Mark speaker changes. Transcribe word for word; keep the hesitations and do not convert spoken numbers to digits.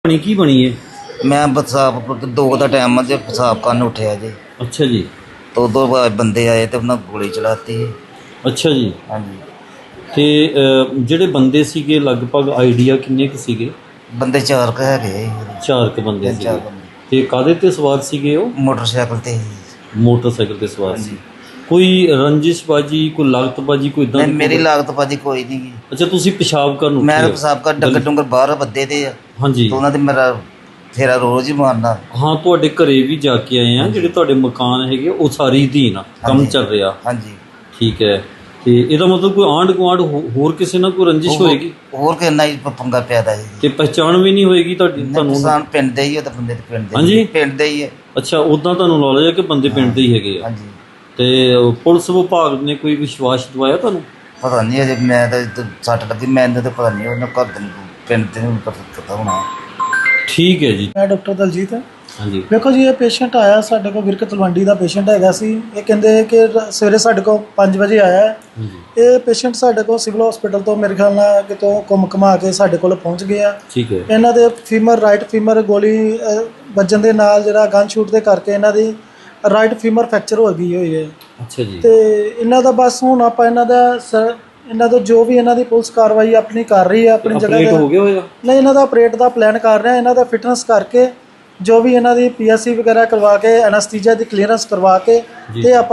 Speaker 1: ਬਣੀ ਕੀ ਬਣੀ ਹੈ?
Speaker 2: ਮੈਂ ਬਸਾਬ ਦੋ ਦਾ ਟਾਈਮ ਆ, पेशाब करन उठिया जी।
Speaker 1: अच्छा जी।
Speaker 2: तो दो बंदे आए तो उन्होंने गोली चलाती।
Speaker 1: अच्छा जी।
Speaker 2: हाँ जी।
Speaker 1: ਤੇ ਜਿਹੜੇ ਬੰਦੇ ਸੀਗੇ ਲਗਭਗ ਆਈਡੀਆ ਕਿੰਨੇ ਕੁ ਸੀਗੇ?
Speaker 2: ਬੰਦੇ ਚਾਰ ਕੁ ਹੈਗੇ।
Speaker 1: ਚਾਰ ਕੁ ਬੰਦੇ ਸੀਗੇ।
Speaker 2: ਚਾਰ ਬੰਦੇ।
Speaker 1: ਤੇ ਕਾਹਦੇ ਤੇ ਸਵਾਰ ਸੀਗੇ ਉਹ?
Speaker 2: ਮੋਟਰਸਾਈਕਲ ਤੇ।
Speaker 1: ਮੋਟਰਸਾਈਕਲ ਤੇ ਸਵਾਰ ਸੀ। ਕੋਈ ਰੰਜਿਸ਼ਬਾਜੀ, ਕੋਈ ਲਾਗਤਬਾਜੀ, ਕੋਈ ਇਦਾਂ
Speaker 2: ਨਹੀਂ, ਮੇਰੀ ਲਾਗਤਬਾਜੀ ਕੋਈ ਨਹੀਂ।
Speaker 1: ਅੱਛਾ, ਤੁਸੀਂ ਪਿਸ਼ਾਬ ਕਰਨ ਉੱਠੇ?
Speaker 2: ਮੈਂ ਪਿਸ਼ਾਬ ਕਰ ਡੰਗਰ ਡੰਗਰ ਬਾਹਰ ਵੱਧੇ ਤੇ ਆ।
Speaker 1: ਹਾਂਜੀ।
Speaker 2: ਤੇ ਉਹਨਾਂ ਦੇ ਮੇਰਾ ਫੇਰਾ ਰੋਜ਼ ਹੀ ਮਾਰਨਾ।
Speaker 1: ਹਾਂ, ਤੁਹਾਡੇ ਘਰੇ ਵੀ ਜਾ ਕੇ ਆਏ ਆ, ਜਿਹੜੇ ਤੁਹਾਡੇ ਮਕਾਨ ਹੈਗੇ ਉਹ ਸਾਰੀ ਅਧੀਨ ਆ, ਕੰਮ ਚੱਲ ਰਿਹਾ।
Speaker 2: ਹਾਂਜੀ।
Speaker 1: ਠੀਕ ਹੈ। ਤੇ ਇਹਦਾ ਮਤਲਬ ਕੋਈ ਆਂਢ ਗੁਆਂਢ ਹੋਰ ਕਿਸੇ ਨਾਲ ਕੋਈ ਰੰਜਿਸ਼ ਹੋਏਗੀ?
Speaker 2: ਹੋਰ ਕਿੰਨਾ ਹੀ ਪੰਗਾ ਪਿਆਦਾ ਜੀ।
Speaker 1: ਤੇ ਪਹਿਚਾਣ ਵੀ ਨਹੀਂ ਹੋਏਗੀ ਤੁਹਾਡੀ? ਤੁਹਾਨੂੰ
Speaker 2: ਪਛਾਣ ਪਿੰਡ ਦੇ ਹੀ ਉਹ ਤਾਂ ਬੰਦੇ ਦੇ ਪਿੰਡ ਦੇ।
Speaker 1: ਹਾਂਜੀ,
Speaker 2: ਪਿੰਡ ਦੇ ਹੀ ਹੈ।
Speaker 1: ਅੱਛਾ, ਉਦਾਂ ਤੁਹਾਨੂੰ ਨੌਲੇਜ ਹੈ ਕਿ ਬੰਦੇ ਪਿੰਡ ਦੇ ਹੀ ਹੈਗੇ ਆ?
Speaker 2: ਹਾਂਜੀ।
Speaker 1: ਤੇ ਪੁਲਿਸ ਵਿਭਾਗ ਨੇ ਕੋਈ ਵਿਸ਼ਵਾਸ ਦਿਵਾਇਆ ਤੁਹਾਨੂੰ?
Speaker 2: ਪਤਾ ਨਹੀਂ ਅਜੇ, ਮੈਂ ਤਾਂ ਸੱਟ ਲੱਗੀ ਮੈਨੂੰ ਤਾਂ ਪਤਾ ਨਹੀਂ, ਉਹਨਾਂ ਘਰ ਦੇ ਪਿੰਡ ਦੇ ਨੂੰ ਪਤਾ ਹੋਣਾ।
Speaker 1: ਠੀਕ ਹੈ ਜੀ।
Speaker 3: ਮੈਂ ਡਾਕਟਰ ਦਲਜੀਤ।
Speaker 1: ਹਾਂਜੀ।
Speaker 3: ਵੇਖੋ ਜੀ, ਇਹ ਪੇਸ਼ੈਂਟ ਆਇਆ ਸਾਡੇ ਕੋਲ, ਵਿਰਕ ਤਲਵੰਡੀ ਦਾ ਪੇਸ਼ੈਂਟ ਹੈਗਾ ਸੀ। ਇਹ ਕਹਿੰਦੇ ਕਿ ਸਵੇਰੇ ਸਾਡੇ ਕੋਲ ਪੰਜ ਵਜੇ ਆਇਆ। ਇਹ ਪੇਸ਼ੈਂਟ ਸਾਡੇ ਕੋਲ ਸਿਵਲ ਹਸਪੀਟਲ ਤੋਂ ਮੇਰੇ ਖਿਆਲ ਨਾਲ ਕਿਤੋਂ ਘੁੰਮ ਘੁਮਾ ਕੇ ਸਾਡੇ ਕੋਲ ਪਹੁੰਚ ਗਿਆ।
Speaker 1: ਠੀਕ ਹੈ।
Speaker 3: ਇਹਨਾਂ ਦੇ ਫੀਮਰ ਰਾਈਟ ਫੀਮਰ ਗੋਲੀ ਵੱਜਣ ਦੇ ਨਾਲ ਜਿਹੜਾ ਗਨ ਸ਼ੂਟ ਦੇ ਕਰਕੇ ਇਹਨਾਂ ਦੀ ਰਾਈਟ ਫੀਮਰ ਫ੍ਰੈਕਚਰ ਹੋ ਗਈ ਹੋਈ ਹੈ।
Speaker 1: ਅੱਛਾ ਜੀ।
Speaker 3: ਤੇ ਇਹਨਾਂ ਦਾ ਬਸ ਹੁਣ ਆਪਾਂ ਇਹਨਾਂ ਦਾ ਸਰ ਇਹਨਾਂ ਦਾ ਜੋ ਵੀ ਇਹਨਾਂ ਦੀ ਪੁਲਿਸ ਕਾਰਵਾਈ ਆਪਣੀ ਕਰ ਰਹੀ ਹੈ ਆਪਣੀ ਜਗ੍ਹਾ ਤੇ।
Speaker 1: ਹੋ ਗਿਆ ਹੋਇਆ? ਨਹੀਂ,
Speaker 3: ਇਹਨਾਂ ਦਾ ਆਪਰੇਟ ਦਾ ਪਲਾਨ ਕਰ ਰਹੇ ਆ। ਇਹਨਾਂ ਦਾ ਫਿਟਨੈਸ ਕਰਕੇ ਜੋ ਵੀ ਇਹਨਾਂ ਦੀ ਪੀ ਐਸ ਸੀ ਵਗੈਰਾ ਕਰਵਾ ਕੇ ਐਨਸਥੀਸੀਆ ਦੀ ਕਲੀਅਰੈਂਸ ਕਰਵਾ ਕੇ ਤੇ ਆਪਾਂ